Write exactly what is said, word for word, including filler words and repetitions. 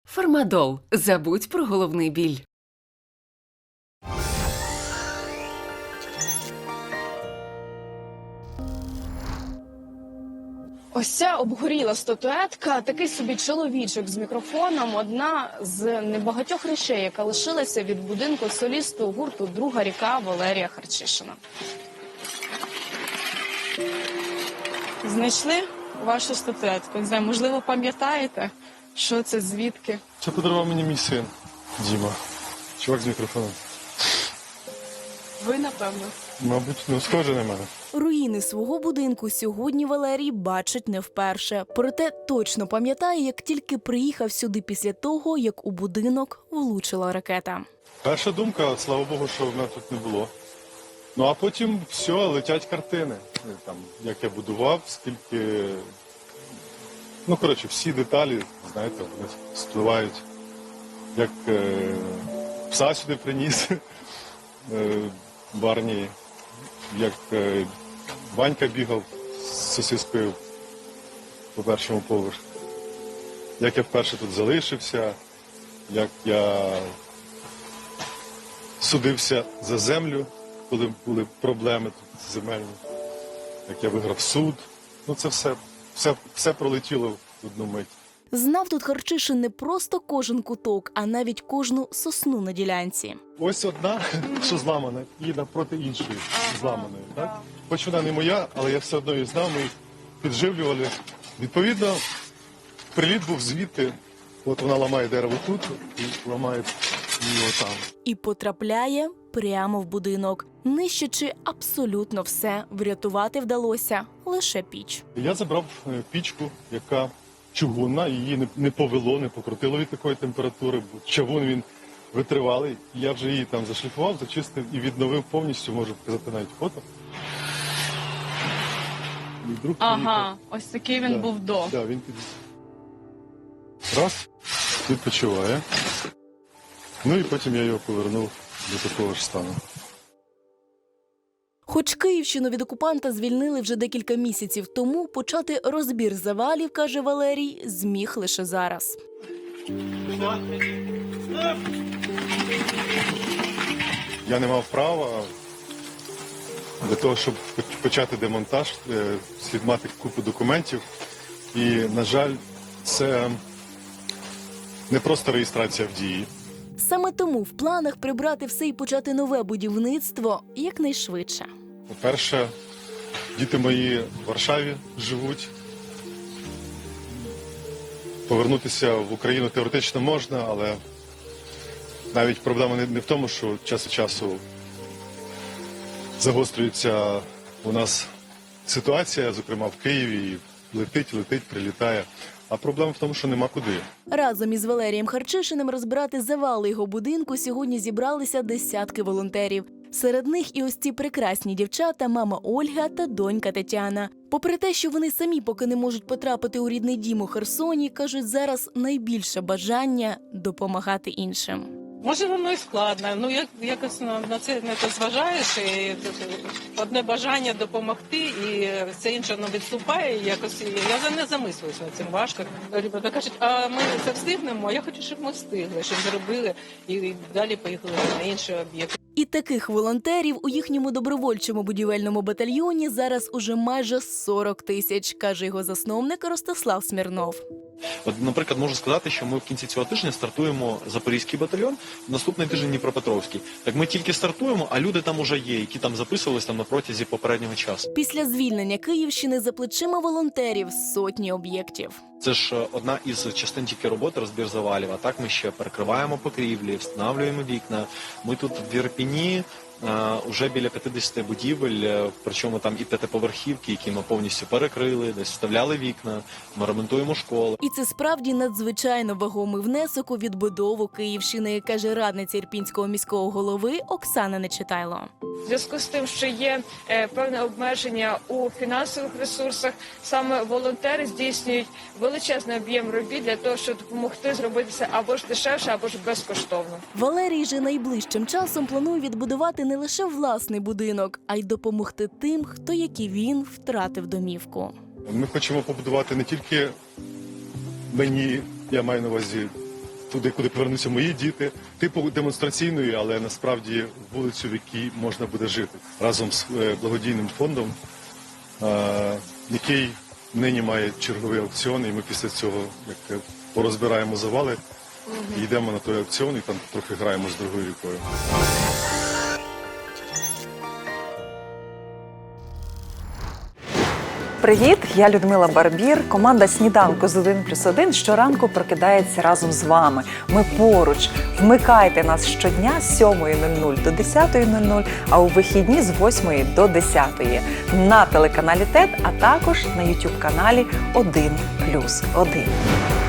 Фармадол. Забудь про головний біль. Ось ця обгоріла статуетка, такий собі чоловічок з мікрофоном, одна з небагатьох речей, яка лишилася від будинку солісту гурту «Друга ріка» Валерія Харчишина. Знайшли вашу статуетку? Не знаю, можливо, пам'ятаєте, що це, звідки? Це подарував мені мій син Діма. Чувак з мікрофоном. Ви, напевно. Мабуть, ну, схоже на мене. Руїни свого будинку сьогодні Валерій бачить не вперше. Проте точно пам'ятає, як тільки приїхав сюди після того, як у будинок влучила ракета. Перша думка, слава Богу, що в мене тут не було. Ну, а потім все, летять картини. Там, як я будував, скільки... Ну, коротше, всі деталі, знаєте, вони спливають. Як е... пса сюди приніс е... в армії, як е... Ванька бігав з сосискою по першому поверху. Як я вперше тут залишився, як я судився за землю, коли були проблеми тут земельні, як я виграв суд. Ну це все, все, все пролетіло в одну мить. Знав тут Харчишин не просто кожен куток, а навіть кожну сосну на ділянці. Ось одна, що зламана, і напроти іншої зламаної. Так? Хоч вона не моя, але я все одно її знав, ми їх підживлювали. Відповідно, приліт був звідти, от вона ламає дерево тут і ламає її отам. І потрапляє прямо в будинок. Нищачи абсолютно все, врятувати вдалося лише піч. Я забрав е, пічку, яка чугунна, її не, не повело, не покрутило від такої температури, бо чавун він витривалий. Я вже її там зашліфував, зачистив і відновив повністю, можу показати навіть фото. Мій друг Ага, приїхав. ось такий він Да, був до. Да, він під... Раз, відпочиває. Ну і потім я його повернув до такого ж стану. Хоч Київщину від окупанта звільнили вже декілька місяців тому, почати розбір завалів, каже Валерій, зміг лише зараз. Я не мав права. Для того, щоб почати демонтаж, слід мати купу документів. І, на жаль, це не просто реєстрація в дії. Саме тому в планах прибрати все і почати нове будівництво якнайшвидше. По-перше, діти мої в Варшаві живуть. Повернутися в Україну теоретично можна, але навіть проблема не в тому, що час від часу загострюється у нас ситуація, зокрема в Києві, і летить, летить, прилітає. А проблема в тому, що нема куди. Разом із Валерієм Харчишиним розбирати завали його будинку сьогодні зібралися десятки волонтерів. Серед них і ось ці прекрасні дівчата, мама Ольга та донька Тетяна. Попри те, що вони самі поки не можуть потрапити у рідний дім у Херсоні, кажуть, зараз найбільше бажання допомагати іншим. Може, воно і складно, ну як, якось на, на це не зважаєш, і одне бажання допомогти, і все інше воно відступає, і якось я за не замислююсь над цим важко. Ребята кажуть, а ми це встигнемо, а я хочу, щоб ми встигли, щоб зробили, і далі поїхали на інші об'єкти. І таких волонтерів у їхньому добровольчому будівельному батальйоні зараз уже майже сорок тисяч, каже його засновник Ростислав Смірнов. От, наприклад, можу сказати, що ми в кінці цього тижня стартуємо Запорізький батальйон, наступний тиждень Дніпропетровський. Так ми тільки стартуємо, а люди там уже є, які там записувались там на протязі попереднього часу. Після звільнення Київщини за плечима волонтерів сотні об'єктів. Це ж одна із частин тільки роботи розбір завалів, а так ми ще перекриваємо покрівлі, встановлюємо вікна. Ми тут в Ірпені вже біля п'ятдесят будівель, причому там і п'ятиповерхівки, які ми повністю перекрили, десь вставляли вікна, ми ремонтуємо школи. І це справді надзвичайно вагомий внесок у відбудову Київщини, каже радниця Ірпінського міського голови Оксана Нечитайло. В зв'язку з тим, що є е, певне обмеження у фінансових ресурсах, саме волонтери здійснюють величезний об'єм робіт для того, щоб допомогти зробити це або ж дешевше, або ж безкоштовно. Валерій же найближчим часом планує відбудувати не лише власний будинок, а й допомогти тим, хто, як і він, втратив домівку. Ми хочемо побудувати не тільки мені, я маю на увазі туди, куди повернуться мої діти, типу демонстраційної, але насправді вулицю, в якій можна буде жити, разом з е, благодійним фондом, е, який нині має черговий аукціон, і ми після цього як е, порозбираємо завали, і йдемо на той аукціон, і там трохи граємо з другою рікою. Привіт, я Людмила Барбір. Команда «Сніданку з один плюс один» щоранку прокидається разом з вами. Ми поруч. Вмикайте нас щодня з сьомої нуль нуль до десятої нуль нуль, а у вихідні з восьмої до десятої на телеканалі ТЕТ, а також на ютуб-каналі один плюс один.